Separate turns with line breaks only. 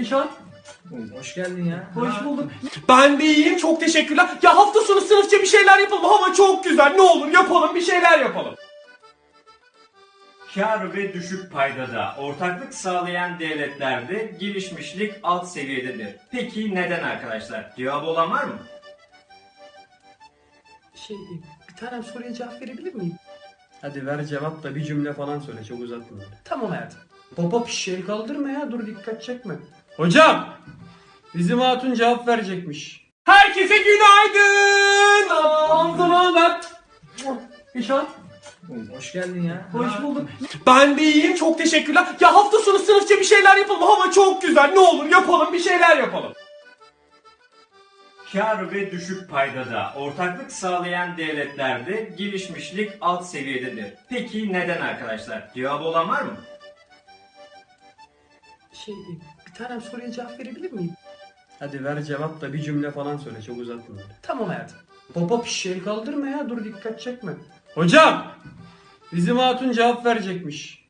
İşan.
Hoş geldin ya.
Hoş bulduk. Ben de iyiyim, çok teşekkürler. Ya hafta sonu sınıfça bir şeyler yapalım. Hava çok güzel. Ne olur yapalım, bir şeyler yapalım.
Kâr ve düşük paydada ortaklık sağlayan devletlerde gelişmişlik alt seviyededir. Peki neden arkadaşlar? Cevabı olan var mı?
Bir tane soruya cevap verebilir miyim?
Hadi ver cevap da bir cümle falan söyle, çok uzatma.
Tamam hayatım. Baba piş el kaldırma ya, dur dikkat çekme.
Hocam! Bizim hatun cevap verecekmiş. Herkese günaydın! Anzımalar. İşan.
Hoş geldin ya.
Hoş bulduk. Ben de iyiyim, çok teşekkürler. Ya hafta sonu sınıfça bir şeyler yapalım. Hava çok güzel. Ne olur yapalım, bir şeyler yapalım.
Kâr ve düşük paydada ortaklık sağlayan devletlerde gelişmişlik alt seviyededir. Peki neden arkadaşlar? Cevabı olan var mı?
Bir tane soruya cevap verebilir miyim?
Hadi ver cevap da bir cümle falan söyle, çok uzatma.
Tamam hayatım. Baba piş el kaldırma ya, dur dikkat çekme.
Hocam! Bizim hatun cevap verecekmiş.